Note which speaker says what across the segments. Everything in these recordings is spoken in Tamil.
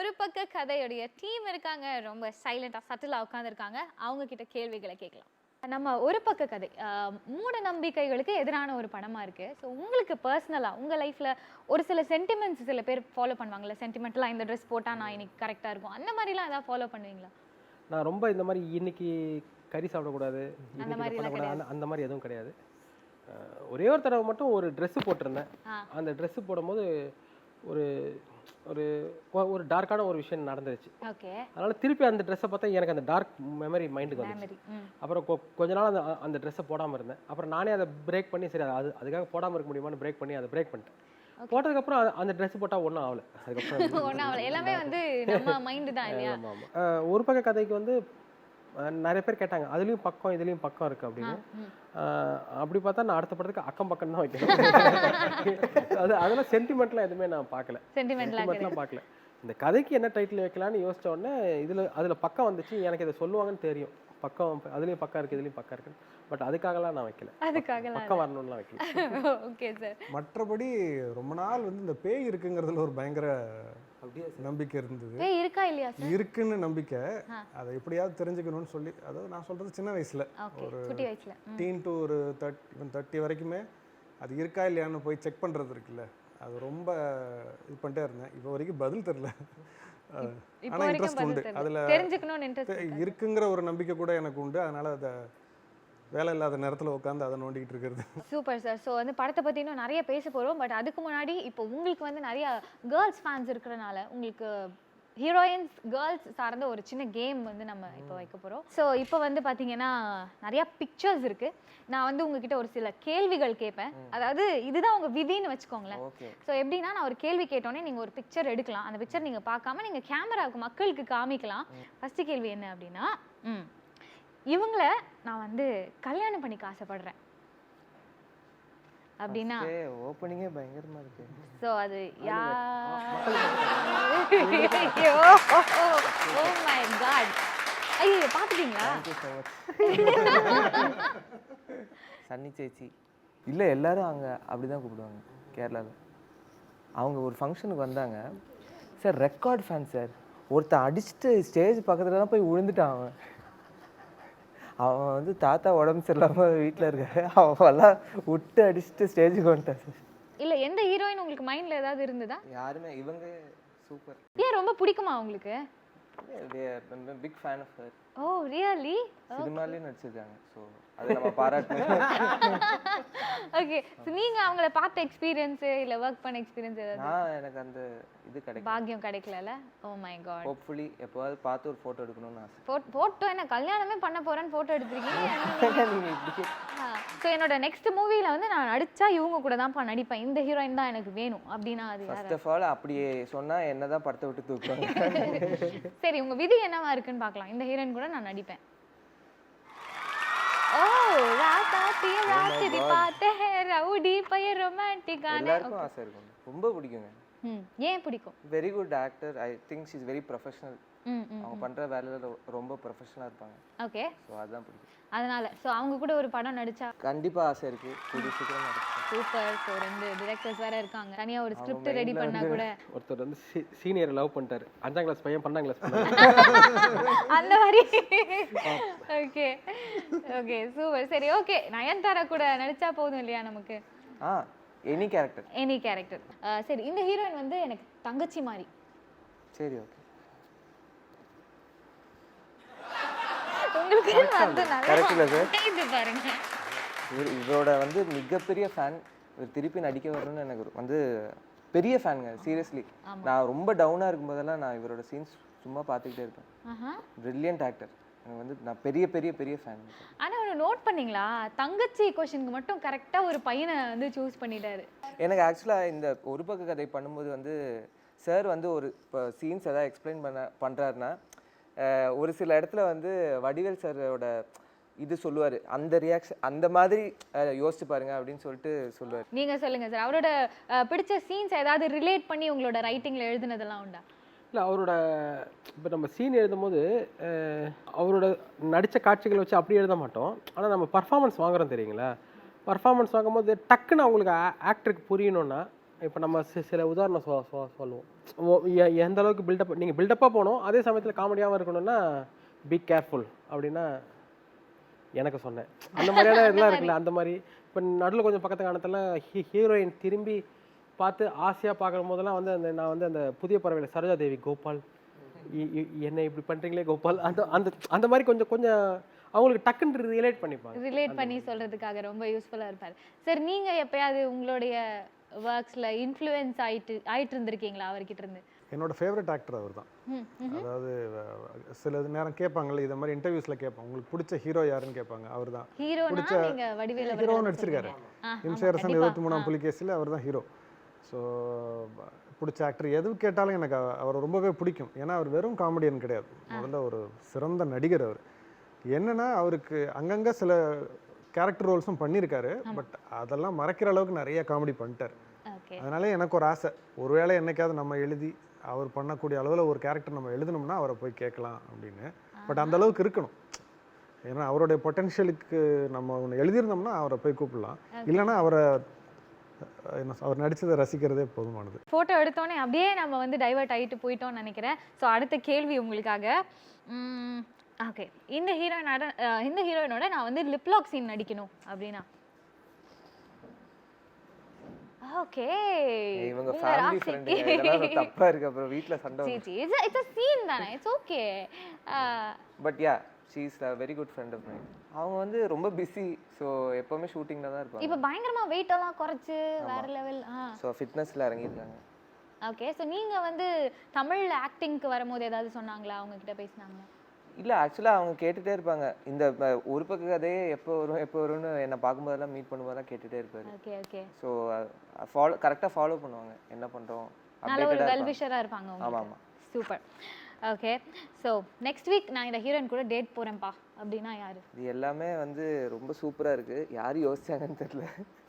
Speaker 1: ஒரு பக்க கதையுடைய டீம் இருக்காங்க, ரொம்ப சைலண்டா சட்டிலா உட்காந்துருக்காங்க. அவங்க கிட்ட கேள்விகளை கேட்கலாம். நம்ம ஒரு பக்க கதை மூட நம்பிக்கைகளுக்கு எதிரான ஒரு படமா இருக்கு. ஸோ உங்களுக்கு பர்சனலா உங்க லைஃப்ல ஒரு சில சென்டிமெண்ட்ஸ் சில பேர் ஃபாலோ பண்ணுவாங்கல்ல, சென்டிமெண்ட்லாம் இந்த ட்ரெஸ் போட்டா நான் இன்னைக்கு கரெக்டா இருக்கும், அந்த மாதிரிலாம் ஏதாவது ஃபாலோ பண்ணுவீங்களா?
Speaker 2: நான் ரொம்ப இந்த மாதிரி இன்னைக்கு கறி சாப்பிடக்கூடாது,
Speaker 1: அந்த
Speaker 2: இன்னைக்கு
Speaker 1: மாதிரி
Speaker 2: இதை
Speaker 1: எல்லாம்
Speaker 2: பண்ணக்கூடாது,
Speaker 1: கிடையாது.
Speaker 2: அந்த மாதிரி எதுவும் கிடையாது. ஒரே ஒரு தடவை மட்டும் ஒரு ட்ரெஸ்ஸு போட்டிருந்தேன். அந்த ட்ரெஸ்ஸு போடும்போது ஒரு ஒரு ஒரு டார்க்கான ஒரு விஷயம் நடந்துருச்சு.
Speaker 1: ஓகே.
Speaker 2: அதனால திருப்பி அந்த ட்ரெஸ்ஸை பார்த்தா எனக்கு அந்த டார்க் மெமரி மைண்டுக்கு வந்துச்சு. அப்புறம் கொஞ்ச நாள் அந்த ட்ரெஸ்ஸை போடாமல் இருந்தேன். அப்புறம் நானே அதை பிரேக் பண்ணி சரி அதுக்காக போடாமல் இருக்க முடியுமான்னு பிரேக் பண்ணி அதை பிரேக் பண்ணிட்டேன். போட்டதுக்கப்புறம் அந்த ட்ரெஸ் போட்டால் ஒன்றும் ஆகலை. அதுக்கப்புறம்
Speaker 1: ஒன்றும் ஆகலை, எல்லாமே வந்து நம்ம மைண்டு தான் இல்லையா?
Speaker 2: ஆமாம் ஆமாம். ஒரு பக்க கதைக்கு வந்து நிறைய பேர் கேட்டாங்க அதுலேயும் பக்கம் இதுலேயும் பக்கம் இருக்குது அப்படின்னு. அப்படி பார்த்தா நான் அடுத்த படத்துக்கு அக்கம் பக்கம் தான் வைக்கணும். அதெல்லாம் சென்டிமெண்ட்லாம் எதுவுமே நான் பார்க்கல, சென்டிமெண்ட்லாம் பார்க்கல. இந்த கதைக்கு என்ன டைட்டில் வைக்கலான்னு யோசிச்ச உடனே அதில் பக்கம் வந்துச்சு. எனக்கு இதை சொல்லுவாங்கன்னு தெரியும், பக்கம் அதுலேயும் பக்கம் இருக்குது இதுலேயும் பக்கம் இருக்குது. பட் அதுக்காகலாம் நான் வைக்கல, பக்கம் வரணும்லாம் வைக்கல.
Speaker 1: Okay sir.
Speaker 3: மற்றபடி ரொம்ப நாள் வந்து இந்த பேய் இருக்குங்கிறதுல ஒரு பயங்கர நம்பிக்கை இருந்தது.
Speaker 1: பேய் இருக்கா இல்லையா சார்?
Speaker 3: இருக்குன்னு நம்பிக்கை. அதை எப்படியாவது தெரிஞ்சுக்கணும்னு சொல்லி, அதாவது நான் சொல்றது சின்ன வயசுல, ஒரு
Speaker 1: குட்டி வயசுல
Speaker 3: டீன் டு ஒரு 30 வரைக்குமே அது இருக்கா இல்லையான்னு போய் செக் பண்றது இருக்குல்ல, அது ரொம்ப இது பண்ணிட்டே இருந்தேன். இப்போ வரைக்கும் பதில் தெரியல. ஆனால் இன்ட்ரெஸ்ட் உண்டு அதில்,
Speaker 1: தெரிஞ்சுக்கணும்னு இன்ட்ரெஸ்ட்
Speaker 3: இருக்குங்கிற ஒரு நம்பிக்கை கூட எனக்கு உண்டு. அதனால அதை வேலை இல்லாத நேரத்தில் உட்காந்து அதை நோண்டிக்கிட்டு இருக்கிறது.
Speaker 1: Super sir. ஸோ வந்து படத்தை பற்றி இன்னும் நிறைய பேச போகிறோம். பட் அதுக்கு முன்னாடி இப்போ உங்களுக்கு வந்து நிறைய கேர்ள்ஸ் ஃபேன்ஸ் இருக்கிறனால உங்களுக்கு ஹீரோயின்ஸ் கேர்ள்ஸ் சார்ந்த ஒரு சின்ன கேம் வந்து நம்ம இப்போ வைக்க போகிறோம். ஸோ இப்போ வந்து பார்த்தீங்கன்னா நிறையா பிக்சர்ஸ் இருக்குது. நான் வந்து உங்ககிட்ட ஒரு சில கேள்விகள் கேட்பேன். அதாவது இதுதான் உங்கள் விதின்னு வச்சுக்கோங்களேன். ஸோ எப்படின்னா நான் ஒரு கேள்வி கேட்டோன்னே நீங்கள் ஒரு பிக்சர் எடுக்கலாம். அந்த பிக்சர் நீங்கள் பார்க்காம நீங்கள் கேமராவுக்கு மக்களுக்கு காமிக்கலாம். ஃபஸ்ட்டு கேள்வி என்ன அப்படின்னா, இவங்கள நான் வந்து கல்யாணம் பண்ணிக்க ஆசைப்படுறேன் அப்படின்னா
Speaker 4: ஓப்பனிங்கே பயங்கரமா இருக்கு.
Speaker 1: சோ அது ஓ மை காட், ஐயோ பாத்துட்டீங்களா?
Speaker 4: சன்னி சேச்சி இல்லை, எல்லாரும் அங்கே அப்படி தான் கூப்பிடுவாங்க கேரளாவில். அவங்க ஒரு ஃபங்க்ஷனுக்கு வந்தாங்க சார், ரெக்கார்ட் ஃபேன் சார். ஒருத்தன் அடிச்சுட்டு ஸ்டேஜ் பக்கத்தில் தான் போய் விழுந்துட்டான். அவன் வந்து தாத்தா உடம்பு சரியில்லாமல் வீட்டில் இருக்காரு, அவெல்லாம் விட்டு அடிச்சுட்டு ஸ்டேஜுக்கு வந்துட்டான் சார்.
Speaker 1: இல்லை, எந்த ஹீரோயின் உங்களுக்கு மைண்டில் ஏதாவது இருந்ததா?
Speaker 4: யாருமே இவங்க சூப்பர்.
Speaker 1: ஏன் ரொம்ப பிடிக்குமா உங்களுக்கு?
Speaker 4: Big fan of her.
Speaker 1: Oh really?
Speaker 4: சினிமாலேயும் நடிச்சிருக்காங்க, ஸோ அதை நம்ம பாராட்டணும்.
Speaker 1: ஓகே, நீங்க அவங்கள பார்த்த எக்ஸ்பீரியன்ஸ் இல்ல வர்க் பண்ண எக்ஸ்பீரியன்ஸ் ஏதாவது?
Speaker 4: எனக்கு அந்த இது கிடைக்கும்,
Speaker 1: பாக்கியம் கிடைக்கலல. Oh my God.
Speaker 4: ஹோப்ஃபுல்லி எப்போவாது பார்த்து ஒரு ஃபோட்டோ எடுக்கணும்னு ஆசை.
Speaker 1: ஃபோட்டோ என்ன கல்யாணமே பண்ண போறேன்னு ஃபோட்டோ எடுத்துருக்கீங்க. ஸோ என்னோட நெக்ஸ்ட் மூவில வந்து நான் நடிச்சா இவங்க கூட தான் நடிப்பேன், இந்த ஹீரோயின் தான் எனக்கு வேணும் அப்படின்னா அது
Speaker 4: ஃபர்ஸ்ட் ஆஃப் ஆல் அப்படியே சொன்னா என்னதான் படத்தை விட்டு தூக்குவாங்க.
Speaker 1: சரி, உங்க விதி என்னவா இருக்குன்னு பார்க்கலாம். இந்த ஹீரோயின் கூட நான் நடிப்பேன். ஓ ராதாத்தி ராத்திரி பாத்தே ரவுடி பைய ரொமான்டிக்கான.
Speaker 4: எல்லாருக்கும் ஆசை இருக்கும், ரொம்ப பிடிக்குங்க.
Speaker 1: ஏன் பிடிக்கும்?
Speaker 4: Very good actor. I think she is very professional. அவங்க பண்ற வேலையில ரொம்ப ப்ரொஃபஷனலா இருப்பாங்க.
Speaker 1: ஓகே,
Speaker 4: சோ அதான் பிடிக்கும்.
Speaker 1: அதனால சோ அவங்க கூட ஒரு படம் நடிச்சா
Speaker 4: கண்டிப்பா ஆசை இருக்கு, கூடிய சீக்கிரம் நடிப்பேன்.
Speaker 1: சூப்பர். சோ ரெண்டு டைரக்டர்ஸ் வேற இருக்காங்க, தனியா ஒரு ஸ்கிரிப்ட் ரெடி பண்ணா கூட.
Speaker 2: ஒருத்தர் வந்து சீனியர் லவ் பண்ணிட்டாரு, 5ஆம் கிளாஸ் பையன் 12ஆம் கிளாஸ் பண்ணாரு.
Speaker 1: அந்த மாதிரி. Okay okay super. சரி ஓகே, நயன்தாரா கூட நடிச்சா போதும் இல்லையா நமக்கு?
Speaker 4: Any character.
Speaker 1: Any character. சரி, இந்த ஹீரோயின் வந்து எனக்கு தங்கச்சி மாதிரி.
Speaker 4: சரி ஓகே.
Speaker 1: உங்களுக்கு வந்து
Speaker 4: கரெக்ட்ல சார்.
Speaker 1: இது பாருங்க,
Speaker 4: இவரோட வந்து மிகப்பெரிய ஃபேன். இவர் திருப்பி நடிக்க வரணும்னு எனக்கு வந்து பெரிய ஃபேனுங்க, சீரியஸ்லி. நான் ரொம்ப டவுனா இருக்கும்போதெல்லாம் நான் இவரோட சீன்ஸ் சும்மா பார்த்துக்கிட்டே இருப்பேன். Brilliant actor. எனக்கு வந்து நான் பெரிய பெரிய பெரிய ஃபேன்.
Speaker 1: ஆனா ஒரு நோட் பண்ணீங்களா, தங்கச்சி क्वेश्चनக்கு மட்டும் கரெக்ட்டா ஒரு பையனை வந்து சூஸ் பண்ணிட்டாரு.
Speaker 4: எனக்கு ஆக்சுவலா இந்த ஒரு பக்க கதை பண்ணும்போது வந்து சார் வந்து ஒரு சீன்ஸ் ஏதாவது எக்ஸ்பிளைன் பண்றாருன்னா ஒரு சில இடத்துல வந்து வடிவேல் சாரோட இது சொல்லுவார், அந்த ரியாக்ஷன் அந்த மாதிரி யோசிச்சு பாருங்க அப்படின்னு சொல்லிட்டு சொல்லுவார்.
Speaker 1: நீங்க சொல்லுங்க சார், அவரோட பிடிச்ச சீன்ஸ் ஏதாவது ரிலேட் பண்ணி உங்களோட ரைட்டிங்ல எழுதுனதெல்லாம் உண்டா?
Speaker 2: இல்லை, அவரோட இப்போ நம்ம சீன் எழுதும்போது அவரோட நடித்த காட்சிகளை வச்சு அப்படி எழுத மாட்டோம். ஆனால் நம்ம பர்ஃபார்மன்ஸ் வாங்குறோம் தெரியுங்களா, பர்ஃபார்மன்ஸ் வாங்கும்போது டக்குன்னு அவங்களுக்கு ஆக்டருக்கு புரியணும்னா இப்போ நம்ம சில உதாரணம் சொல்லுவோம். எந்த அளவுக்கு பில்டப் நீங்கள் பில்டப்பாக போகணும், அதே சமயத்தில் காமெடியாகவும் இருக்கணும்னா பி கேர்ஃபுல் அப்படின்னா எனக்கு சொன்னேன். அந்த மாதிரியான இதெல்லாம் இருக்குல்ல, அந்த மாதிரி இப்போ நடுவில் கொஞ்சம் பக்கத்து காலத்தில் ஹீரோயின் திரும்பி பார்த்து ஆசையாக பார்க்குற போதெல்லாம் வந்து நான் வந்து அந்த புதிய பறவையில் சரோஜா தேவி கோபால் என்னை இப்படி பண்ணுறீங்களே கோபால், அந்த அந்த அந்த மாதிரி கொஞ்சம் கொஞ்சம் அவங்களுக்கு டக்குன்னு ரிலேட் பண்ணிப்பாங்க.
Speaker 1: ரிலேட் பண்ணி சொல்றதுக்காக ரொம்ப யூஸ்ஃபுல்லா இருப்பாரு. சார் நீங்க எப்பயாவது உங்களுடைய ஒர்க்ஸ்ல இன்ஃப்ளூயன்ஸ் ஆயிட்டு இருந்திருக்கீங்களா அவர்கிட்ட இருந்து?
Speaker 3: என்னோட ஃபேவரட் ஆக்டர் அவர் தான். அதாவது சில நேரம் கேட்பாங்கல்ல, இதை மாதிரி இன்டர்வியூஸில் கேட்பாங்க, உங்களுக்கு பிடிச்ச ஹீரோ யாருன்னு கேட்பாங்க. அவர் தான்
Speaker 1: ஹீரோனா நீங்க வடிவேலு
Speaker 3: ஹீரோ நடிச்சிருக்காரு. இம்சேரசன் 23ஆம் புலிகேசில் அவர் தான் ஹீரோ. ஸோ பிடிச்ச ஆக்டர் எது கேட்டாலும் எனக்கு அவரை ரொம்பவே பிடிக்கும். ஏன்னா அவர் வெறும் காமெடியன் கிடையாது, முதல்ல ஒரு சிறந்த நடிகர். அவர் என்னன்னா அவருக்கு அங்கங்கே சில கேரக்டர் ரோல்ஸும் பண்ணியிருக்காரு, பட் அதெல்லாம் மறைக்கிற அளவுக்கு நிறைய காமெடி பண்ணிட்டார். அதனால எனக்கு ஒரு ஆசை, ஒருவேளை என்னைக்காவது நம்ம எழுதி அவர் பண்ணக்கூடிய அளவில் ஒரு கேரக்டர் நம்ம எழுதணும்னா அவரை போய் கேட்கலாம் அப்படின்னு. பட் அந்த அளவுக்கு இருக்கணும், ஏன்னா அவருடைய பொட்டென்ஷியலுக்கு நம்ம ஒன்று எழுதியிருந்தோம்னா அவரை போய் கூப்பிடலாம். இல்லைன்னா அவரை அவர் நடிச்சதை ரசிக்கிறதே போதுமானது.
Speaker 1: ஃபோட்டோ எடுத்தோன்னே அப்படியே நம்ம வந்து டைவர்ட் ஆகிட்டு போயிட்டோம்னு நினைக்கிறேன். ஸோ அடுத்த கேள்வி உங்களுக்காக. ஓகே, இந்த ஹீரோயினோட நான் வந்து லிப்லாக் சீன் நடிக்கணும் அப்படின்னா? ஓகே,
Speaker 4: இவங்க ஃபேமிலி ஃப்ரெண்ட், இதெல்லாம் தப்பா இருக்கு, அப்புறம் வீட்ல சண்டை வரும்.
Speaker 1: ஜி இட்ஸ் a சீன் தானே, it's okay.
Speaker 4: But ya she is a very good friend of mine. அவங்க வந்து ரொம்ப பிஸி, ஸோ எப்பவுமே ஷூட்டிங்ல தான் இருப்பாங்க.
Speaker 1: இப்போ பயங்கரமா வெயிட் எல்லாம் குறைச்சு வேற லெவல்.
Speaker 4: ஸோ ஃபிட்னஸ்ல இறங்கியிருக்காங்க.
Speaker 1: ஓகே, ஸோ நீங்க வந்து தமிழ்ல ஆக்டிங்க்கு வரும்போது ஏதாவது சொன்னாங்களா, அவங்க கிட்ட பேசினாங்களா?
Speaker 4: இல்லை, ஆக்சுவலாக அவங்க கேட்டுகிட்டே இருப்பாங்க. இந்த ஒரு பக்க கதையே எப்போ வரும்னு என்னை பார்க்கும்போதெல்லாம் மீட் பண்ணும்போதெல்லாம் கேட்டுகிட்டே இருப்பாரு.
Speaker 1: Okay okay.
Speaker 4: ஸோ கரெக்டாக ஃபாலோ பண்ணுவாங்க, என்ன பண்ணுறோம்,
Speaker 1: நல்ல ஒரு வெல்விஷராக இருப்பாங்க.
Speaker 4: ஆமாம் ஆமாம்,
Speaker 1: super. Okay, so next week நான் இந்த ஹீரோயின் கூட டேட் போகிறேன்ப்பா அப்படின்னா யாரு?
Speaker 4: இது எல்லாமே வந்து ரொம்ப சூப்பராக இருக்குது, யார் யோசிச்சாங்கன்னு தெரியல.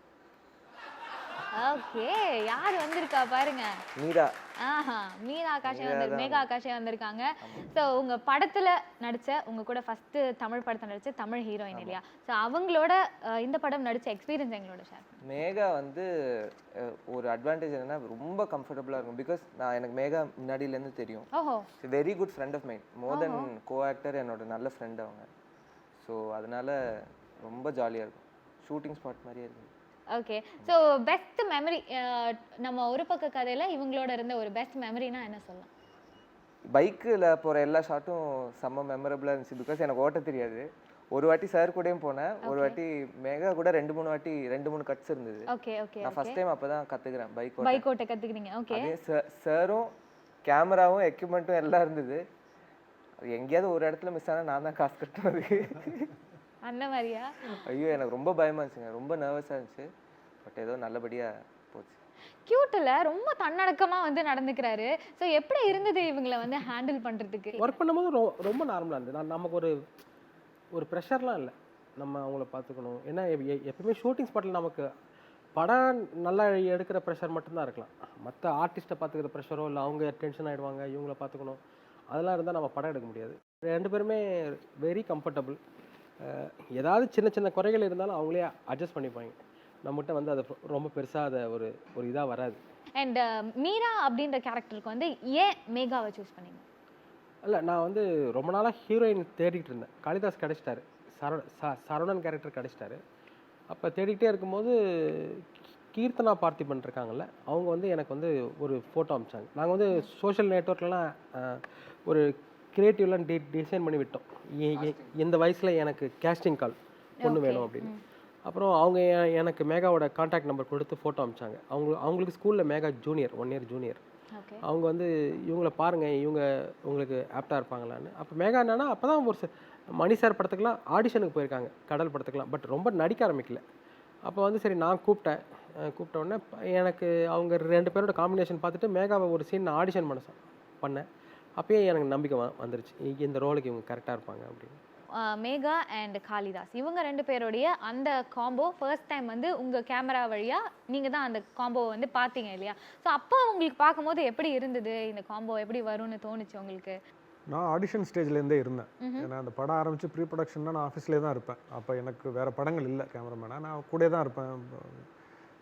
Speaker 1: ஓகே, யார் வந்திருக்கா பாருங்க,
Speaker 4: மீரா.
Speaker 1: மீரா ஆகாஷே மேகா ஆகாஷே வந்திருக்காங்க. ஸோ உங்க படத்துல நடிச்ச, உங்க கூட ஃபர்ஸ்ட் தமிழ் படத்தை நடிச்ச தமிழ் ஹீரோயின் இல்லையா? ஸோ அவங்களோட இந்த படம் நடிச்ச எக்ஸ்பீரியன்ஸ் எங்களோட ஷேர்.
Speaker 4: மேகா வந்து ஒரு அட்வான்டேஜ் என்னன்னா ரொம்ப கம்ஃபர்டபுளாக இருக்கும். பிகாஸ் எனக்கு மேகா முன்னாடியிலேருந்து தெரியும்.
Speaker 1: ஓஹோ,
Speaker 4: very good friend of mine, more than co actor, என்னோட நல்ல ஃப்ரெண்ட் அவங்க. ஸோ அதனால ரொம்ப ஜாலியாக இருக்கும், ஷூட்டிங் ஸ்பாட் மாதிரியே இருக்கும்.
Speaker 1: ஓகே, ஸோ பெஸ்ட் மெமரி, நம்ம ஒரு பக்க கதையில இவங்களோட இருந்த ஒரு பெஸ்ட் மெமரினா என்ன சொல்லலாம்?
Speaker 4: பைக்கில் போகிற எல்லா ஷாட்டும் செம்ம மெமரபுளாக இருந்துச்சு. பிகாஸ் எனக்கு ஓட்ட தெரியாது. ஒரு வாட்டி சார் கூடயும் போனேன், ஒரு வாட்டி மேகா கூட 2-3 கட்ஸ் இருந்தது.
Speaker 1: Okay okay.
Speaker 4: நான் ஃபர்ஸ்ட் டைம் அப்போ தான் கற்றுக்கிறேன்
Speaker 1: பைக் ஓட்ட கற்றுக்கிறீங்க. ஓகே,
Speaker 4: அதே சாரும் கேமராவும் எக்யூப்மெண்ட்டும் எல்லாம் இருந்தது. எங்கேயாவது ஒரு இடத்துல மிஸ் ஆனால் நான் தான் காசு கட்டினது.
Speaker 1: அந்த மாதிரியா?
Speaker 4: ஐயோ, எனக்கு ரொம்ப பயமா இருந்துச்சுங்க, ரொம்ப நர்வஸாக இருந்துச்சு. பட் ஏதோ நல்லபடியாக போச்சு.
Speaker 1: கியூட்டில் ரொம்ப தன்னடக்கமா வந்து நடந்துக்கிறாரு. ஸோ எப்படி இருந்தது இவங்களை வந்து ஹேண்டில் பண்ணுறதுக்கு?
Speaker 2: ஒர்க் பண்ணும்போது ரொம்ப நார்மலாக இருந்தது. நமக்கு ஒரு ப்ரெஷர்லாம் இல்லை, நம்ம அவங்கள பார்த்துக்கணும். ஏன்னா எப்பவுமே ஷூட்டிங் ஸ்பாட்டில் நமக்கு படம் நல்லா எடுக்கிற ப்ரெஷர் மட்டும்தான் இருக்கலாம். மற்ற ஆர்டிஸ்ட்டை பார்த்துக்கிற ப்ரெஷரோ இல்லை அவங்க டென்ஷன் ஆகிடுவாங்க, இவங்கள பார்த்துக்கணும், அதெல்லாம் இருந்தால் நம்ம படம் எடுக்க முடியாது. 2 பேருமே வெரி கம்ஃபர்டபுள். ஏதாவது சின்ன சின்ன குறைகள் இருந்தாலும் அவங்களே அட்ஜஸ்ட் பண்ணிப்பாங்க. நம்மகிட்ட வந்து அது ரொம்ப பெருசாக அதை ஒரு இதாக வராது.
Speaker 1: அண்ட் மீரா அப்படின்ற கேரக்டருக்கு வந்து ஏன் மேகாவை சூஸ் பண்ணீங்க?
Speaker 2: இல்லை, நான் வந்து ரொம்ப நாளாக ஹீரோயின் தேடிக்கிட்டு இருந்தேன். காளிதாஸ் கிடச்சிட்டாரு, சரவணன் கேரக்டர் கிடச்சிட்டாரு. அப்போ தேடிக்கிட்டே இருக்கும்போது கீர்த்தனா பார்த்திபன் இருக்காங்கல்ல, அவங்க வந்து எனக்கு வந்து ஒரு ஃபோட்டோ அனுப்பிச்சாங்க. நாங்கள் வந்து சோஷியல் நெட்வொர்க்லாம் ஒரு கிரியேட்டிவ்லாம் டிசைன் பண்ணி விட்டோம். இந்த வயசில் எனக்கு கேஸ்டிங் கால் பொண்ணு வேணும் அப்படின்னு. அப்புறம் அவங்க எனக்கு மேகாவோட கான்டாக்ட் நம்பர் கொடுத்து ஃபோட்டோ அனுப்பிச்சாங்க. அவங்களுக்கு ஸ்கூலில் மேகா ஜூனியர், 1 இயர் ஜூனியர். அவங்க வந்து இவங்கள பாருங்கள், இவங்க உங்களுக்கு ஆப்டாக இருப்பாங்களான்னு. அப்போ மேகா என்னன்னா அப்போ தான் ஒரு மணி சார் படத்துக்குலாம் ஆடிஷனுக்கு போயிருக்காங்க, கடல் படத்துக்குலாம். பட் ரொம்ப நடிக்க ஆரம்பிக்கல. அப்போ வந்து சரி நான் கூப்பிட்ட உடனே எனக்கு அவங்க 2 பேரோட காம்பினேஷன் பார்த்துட்டு மேகாவை ஒரு சீன் நான் ஆடிஷன் பண்ணேன். அப்பயே எனக்கு நம்பிக்கை வந்துருச்சு, இந்த ரோலுக்கு இவங்க கரெக்டாக இருப்பாங்க அப்படின்னு.
Speaker 1: மேகா அண்ட் காளிதாஸ் இவங்க 2 பேருடைய அந்த காம்போ ஃபர்ஸ்ட் டைம் வந்து உங்கள் கேமரா வழியாக நீங்கள் தான் அந்த காம்போவை வந்து பார்த்தீங்க இல்லையா? ஸோ அப்போ உங்களுக்கு பார்க்கும்போது எப்படி இருந்தது, இந்த காம்போ எப்படி வரும்னு தோணுச்சு உங்களுக்கு?
Speaker 3: நான் ஆடிஷன் ஸ்டேஜ்லேருந்தே இருந்தேன். ஏன்னா அந்த படம் ஆரம்பித்து ப்ரீ ப்ரொடக்ஷன்னா நான் ஆஃபீஸ்லேயே தான் இருப்பேன். அப்போ எனக்கு வேறு படங்கள் இல்லை கேமராமேனாக, நான் கூட தான் இருப்பேன்.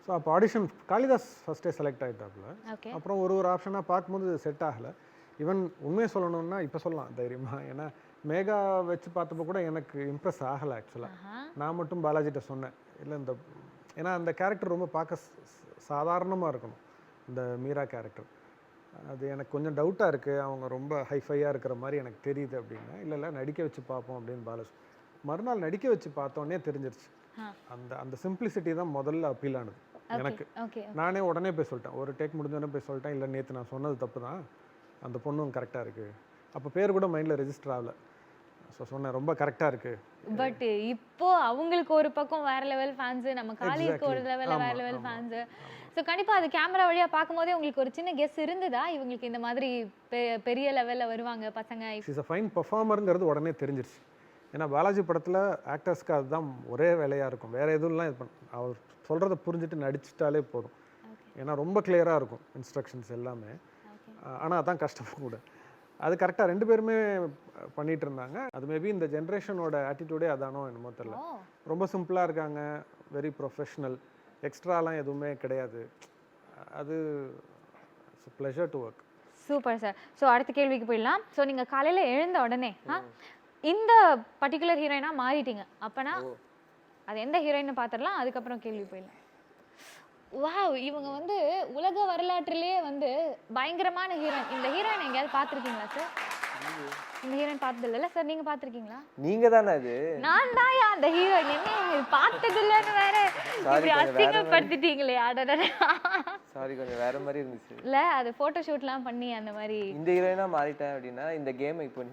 Speaker 3: ஸோ அப்போ ஆடிஷன் காளிதாஸ் ஃபஸ்ட்டே செலக்ட் ஆகிட்டாப்புல.
Speaker 1: ஓகே.
Speaker 3: அப்புறம் ஒரு ஆப்ஷனாக பார்க்கும்போது செட் ஆகலை. ஈவன் உண்மையை சொல்லணும்னா இப்போ சொல்லலாம் தைரியமாக, ஏன்னா மேகா வச்சு பார்த்தப்போ கூட எனக்கு இம்ப்ரெஸ் ஆகலை ஆக்சுவலாக. நான் மட்டும் பாலாஜிட்ட சொன்னேன், இல்லை இந்த ஏன்னா அந்த கேரக்டர் ரொம்ப பார்க்க சாதாரணமாக இருக்கணும், இந்த மீரா கேரக்டர். அது எனக்கு கொஞ்சம் டவுட்டாக இருக்குது, அவங்க ரொம்ப ஹைஃபையாக இருக்கிற மாதிரி எனக்கு தெரியுது அப்படின்னா. இல்லை நடிக்க வச்சு பார்ப்போம் அப்படின்னு பாலாஜி. மறுநாள் நடிக்க வச்சு பார்த்தோன்னே தெரிஞ்சிருச்சு. அந்த அந்த சிம்பிளிசிட்டி தான் முதல்ல அப்பீல் ஆனது எனக்கு. நானே உடனே போய் சொல்லிட்டேன், ஒரு டேக் முடிஞ்சோடனே போய் சொல்லிட்டேன், இல்லை நேற்று நான் சொன்னது தப்பு தான், அந்த பொண்ணும் கரெக்டாக இருக்குது. அப்போ பேர் கூட மைண்டில் ரெஜிஸ்டர் ஆகலை. ஸோ சொன்னேன் ரொம்ப கரெக்டாக இருக்குது.
Speaker 1: பட் இப்போ அவங்களுக்கு ஒரு பக்கம் வேற லெவல் ஃபேன்ஸ், நம்ம காளிக்கு ஒரு லெவலில் வேற லெவல் ஃபேன்ஸ். ஸோ கண்டிப்பாக அது கேமரா வழியாக பார்க்கும்போதே உங்களுக்கு ஒரு சின்ன கெஸ் இருந்ததா இவங்களுக்கு இந்த மாதிரி பெரிய லெவலில் வருவாங்க பசங்க?
Speaker 3: இஸ் அ ஃபைன் பர்ஃபார்மருங்கிறது உடனே தெரிஞ்சிருச்சு. ஏன்னா பாலாஜி படத்தில் ஆக்டர்ஸ்க்கு அதுதான் ஒரே வேலையாக இருக்கும், வேறு எதுவும்லாம் இது அவர் சொல்கிறத புரிஞ்சுட்டு நடிச்சிட்டாலே போதும். ஏன்னா ரொம்ப கிளியராக இருக்கும் இன்ஸ்ட்ரக்ஷன்ஸ் எல்லாமே. ஆனால் அதான் கஷ்டம் கூட. அது கரெக்டாக 2 பேருமே பண்ணிகிட்டு இருந்தாங்க. அது மேபி இந்த ஜென்ரேஷனோட ஆட்டிடியூடே அதானோ என்னமோ தெரியல. ரொம்ப சிம்பிளாக இருக்காங்க, வெரி ப்ரொஃபஷ்னல், எக்ஸ்ட்ராலாம் எதுவுமே கிடையாது. அது it's pleasure to work.
Speaker 1: Super sir. So அடுத்த கேள்விக்கு போயிடலாம். ஸோ நீங்கள் காலையில் எழுந்த உடனே இந்த பர்டிகுலர் ஹீரோயினாக மாறிட்டீங்க, அப்போனா அது எந்த ஹீரோயின்னு பார்த்துடலாம், அதுக்கப்புறம் கேள்வி போயிடலாம். வாவ், இவங்க வந்து உலக வரலாற்றிலேயே வந்து பயங்கரமான ஹீரோயின். இந்த ஹீரோயின் எங்கேயாவது பார்த்துருக்கீங்களா சார்? இந்த ஹீரோயின் பார்த்தது இல்லை சார், நீங்கள் பார்த்துருக்கீங்களா?
Speaker 4: நீங்க தானே அது?
Speaker 1: நான் தான் அந்த ஹீரோயின். என்ன பார்த்தது இல்லைன்னு வேற இப்படி அசிங்கப்படுத்திட்டீங்களே.
Speaker 4: சாரி, கொஞ்சம் வேற மாதிரி இருந்துச்சு.
Speaker 1: இல்லை, அது ஃபோட்டோ ஷூட்லாம் பண்ணி அந்த மாதிரி.
Speaker 4: இந்த ஹீரோயினா மாறிட்டேன் அப்படின்னா இந்த கேமை இப்போ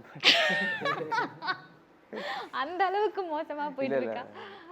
Speaker 1: அந்த அளவுக்கு மோசமா போயிட்டு இருக்கா?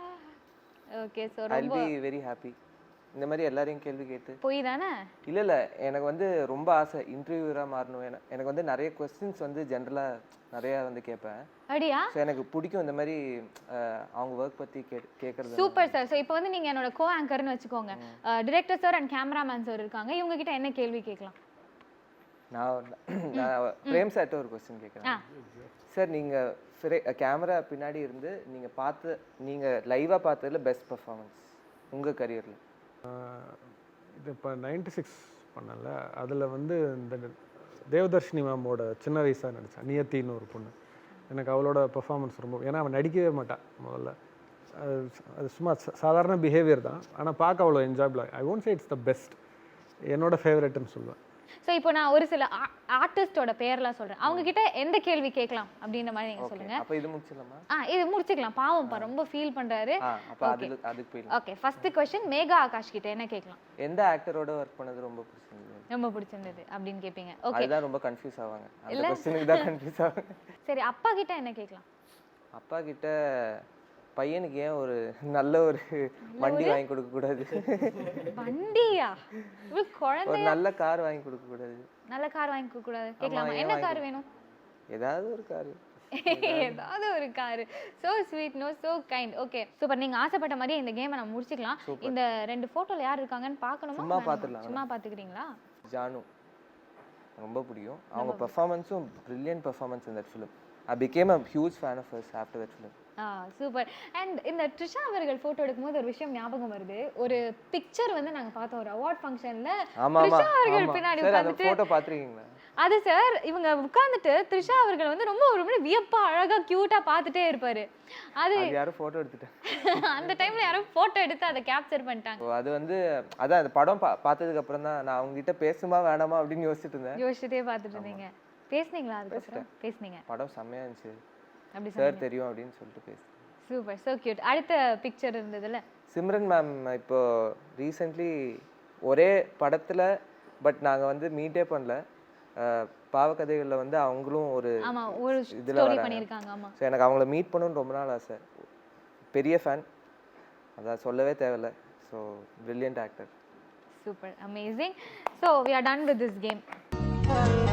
Speaker 1: ஓகே, சோ ரொம்ப
Speaker 4: I'll be very happy. இந்த மாதிரி எல்லாரையும் கேள்வி கேட்டு
Speaker 1: போய் தானே?
Speaker 4: இல்லை எனக்கு வந்து ரொம்ப ஆசை இன்டர்வியூரா மாறணும். எனக்கு வந்து நிறைய கொஸ்டின்ஸ் வந்து ஜென்ரலாக நிறைய வந்து கேட்பேன்.
Speaker 1: அப்படியா?
Speaker 4: ஸோ எனக்கு பிடிக்கும் இந்த மாதிரி அவங்க ஒர்க் பற்றி கேட்கறது.
Speaker 1: Super sir. ஸோ இப்போ வந்து நீங்கள் என்னோட கோ ஆங்கர்னு வச்சுக்கோங்க. Director sir and cameraman sir இருக்காங்க, இவங்க கிட்ட என்ன கேள்வி கேட்கலாம்?
Speaker 4: நான் பிரேம் சார்ட்ட ஒரு கொஸ்டின் கேட்குறேன். சார், நீங்கள் கேமரா பின்னாடி இருந்து நீங்கள் லைவாக பார்த்ததுல பெஸ்ட் பர்ஃபார்மன்ஸ் உங்கள் கரியரில்?
Speaker 3: இது இப்போ 96 பண்ணல, அதில் வந்து இந்த தேவதர்ஷினி மேமோட சின்ன வயசாக நடித்தேன், நியத்தின்னு ஒரு பொண்ணு. எனக்கு அவளோட பெர்ஃபார்மன்ஸ் ரொம்ப, ஏன்னா அவன் நடிக்கவே மாட்டான் முதல்ல, அது சும்மா சாதாரண பிஹேவியர் தான், ஆனால் பார்க்க அவ்வளோ என்ஜாயபிளாக. I won't say it's the best, என்னோட ஃபேவரட்னு சொல்லுவேன்.
Speaker 1: ஸோ இப்போ நான் ஒரு சில ஆர்டிஸ்டோட பேர்லாம் சொல்கிறேன், அவங்க கிட்ட எந்த கேள்வி கேட்கலாம் அப்படின்ற மாதிரி நீங்கள் சொல்லுங்க.
Speaker 4: அப்போ இது முடிச்சிடலாமா?
Speaker 1: இது முடிச்சுக்கலாம். பாவம் ரொம்ப ஃபீல் பண்ணுறாரு.
Speaker 4: அதுக்கு போயிடலாம்.
Speaker 1: Okay, first question Megha Akash கிட்ட என்ன கேட்கலாம்?
Speaker 4: எந்த ஆக்டரோட ஒர்க் பண்ணது ரொம்ப
Speaker 1: பிடிச்சிருந்தது அப்படின்னு கேட்பீங்க. ஓகே,
Speaker 4: அதுதான் ரொம்ப கன்ஃபியூஸ் ஆவாங்க, அந்த क्वेश्चனுக்கு தான் கன்ஃபியூஸ் ஆவாங்க.
Speaker 1: சரி, அப்பா கிட்ட என்ன கேட்கலாம்?
Speaker 4: அப்பா கிட்ட பையனுக்கு ஏன் ஒரு நல்ல ஒரு வண்டி வாங்கி கொடுக்க கூடாது?
Speaker 1: வண்டியா? குழந்தை
Speaker 4: ஒரு நல்ல கார் வாங்கி கொடுக்க கூடாது?
Speaker 1: நல்ல கார் வாங்கி கொடுக்க கூடாது கேட்கலாமா? என்ன கார் வேணும்?
Speaker 4: ஏதாவது ஒரு கார்.
Speaker 1: ஏதாவது ஒரு car. So sweet, no so kind. Okay, super. நீங்க ஆசைப்பட்ட மாதிரி இந்த கேமை நம்ம முடிச்சுக்கலாம். இந்த 2 போட்டோல யார் இருக்காங்கன்னு பார்க்கணுமா?
Speaker 4: சும்மா பார்த்துடலாம்.
Speaker 1: சும்மா பார்த்துக்கிறீங்களா?
Speaker 4: ஜானு ரொம்ப பிடிக்கும், அவங்க பெர்ஃபார்மன்ஸும் brilliant performance in that film. I became a huge fan of hers after that film.
Speaker 1: Super. And இந்த ட்ரிஷா அவர்கள் போட்டோ எடுக்கும்போது ஒரு விஷயம் ஞாபகம் வருது. ஒரு பிக்சர் வந்து நாங்க பார்த்தோம் ஒரு அவார்ட் ஃபங்க்ஷன்ல. ட்ரிஷா அவர்கள் பின்னாடி உட்கார்ந்துட்டு
Speaker 4: போட்டோ பாத்துறீங்களா?
Speaker 1: அது சார், இவங்க உட்கார்ந்துட்டு த்ரிஷா அவர்கள் வந்து ரொம்ப ஒரு மாதிரி வியப்பா அழகா கியூட்டா பார்த்துட்டே இருப்பாரு. அது
Speaker 4: யாரும் போட்டோ எடுத்துட்டாங்க.
Speaker 1: அந்த டைம்ல யாரும் போட்டோ எடுத்து அதை கேப்சர் பண்ணிட்டாங்க.
Speaker 4: அது வந்து அதான் அந்த படம் பார்த்ததுக்கு அப்புறம் தான் நான் அவங்க கிட்ட பேசுமா வேணாமா அப்படின்னு யோசிச்சுட்டே
Speaker 1: பார்த்துட்டு இருந்தீங்க. பேசுனீங்களா? அதுக்கப்புறம் பேசுனீங்க.
Speaker 4: படம் செம்மையா இருந்துச்சு,
Speaker 1: அப்படி
Speaker 4: சார் தெரியும் அப்படின்னு சொல்லிட்டு பேசு.
Speaker 1: Super, so cute. அடுத்த பிக்சர் இருந்ததுல
Speaker 4: சிம்ரன் மேம் இப்போ ரீசென்ட்லி ஒரே படத்துல, பட் நாங்க வந்து மீட்டே பண்ணல, பாவக்கதைகள்ல வந்து அவங்களும் ஒரு
Speaker 1: ஸ்டோரி பண்ணிருக்காங்க. ஆமா,
Speaker 4: சோ எனக்கு அவங்கள மீட் பண்ணணும்னு ரொம்ப நாள் ஆசை, பெரிய ஃபேன், அதான் சொல்லவே தேவையில்ல. So brilliant actor.
Speaker 1: Super, amazing. So we are done with this game.